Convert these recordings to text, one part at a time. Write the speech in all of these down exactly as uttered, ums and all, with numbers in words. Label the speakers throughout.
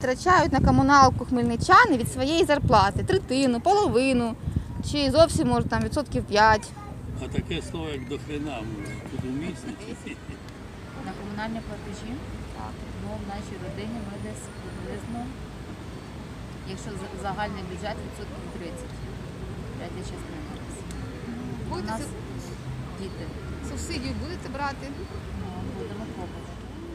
Speaker 1: втрачають на комуналку хмельничани від своєї зарплати? Третину, половину, чи зовсім, може, там відсотків п'ять?
Speaker 2: А таке слово, як до хрена, тут уміснити.
Speaker 3: На комунальні платежі? Так. Ну, в нашій родині ми десь приблизно, якщо за- загальний бюджет, відсотків тридцять. Третя частина. У
Speaker 1: Будете
Speaker 3: нас
Speaker 1: суб-
Speaker 3: діти.
Speaker 1: субсидію будете брати?
Speaker 3: Ну, будемо пробувати.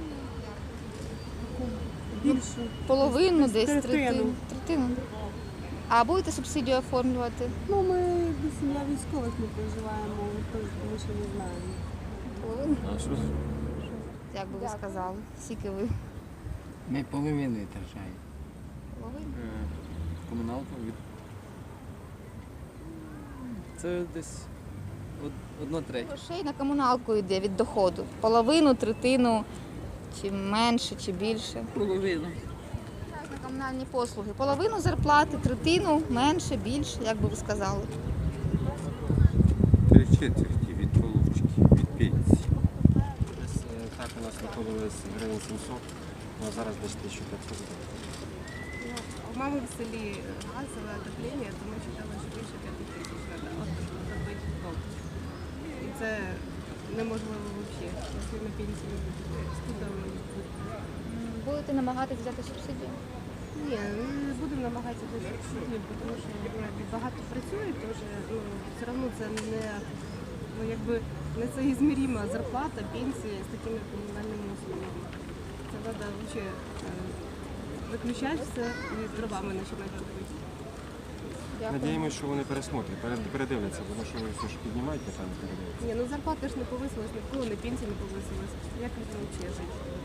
Speaker 4: Більше.
Speaker 1: Половину
Speaker 4: Десь
Speaker 1: десь,
Speaker 4: третину.
Speaker 1: третину. Третину. А будете субсидію оформлювати?
Speaker 4: Ну, ми до сім'я військових не проживаємо, тож ми ще не знаємо.
Speaker 1: Половину?
Speaker 5: А що?
Speaker 1: Як би ви сказали? Скільки ви?
Speaker 5: Ми половину втрачаємо.
Speaker 1: Половину?
Speaker 6: Комуналку від... Це десь од- одна третя.
Speaker 1: Грошей на комуналку йде від доходу. Половину, третину, чи менше, чи більше.
Speaker 2: Половину.
Speaker 1: На комунальні послуги. Половину зарплати, третину, менше, більше, як би ви сказали.
Speaker 7: Три четверті від получки, від пенсії.
Speaker 8: Десь е, так у нас виходилось гривень сімсот, а зараз десь тисяча п'ятсот.
Speaker 9: У мами в селі газове отоплення, то ми читали, що більше п'яти тисяч треба робити дом. І це неможливо взагалі, якщо на пенсії студами.
Speaker 1: Будете намагатися взяти субсидію?
Speaker 9: Ні, не будемо намагатися до субсидії, тому що ну, багато працює, тож ну, все одно це не, ну, якби, не соізміріма зарплата, пенсія з такими комунальними услугами. Це треба взагалі виключати все і дровами починати робити.
Speaker 8: Надіємося, що вони пересмотрять, перед- передивляться, тому що ви все ж піднімаєте, там передивляться.
Speaker 9: Ні, ну зарплата ж не повисилась, ніколи не пенсія не повисилась. Як людям взагалі жити?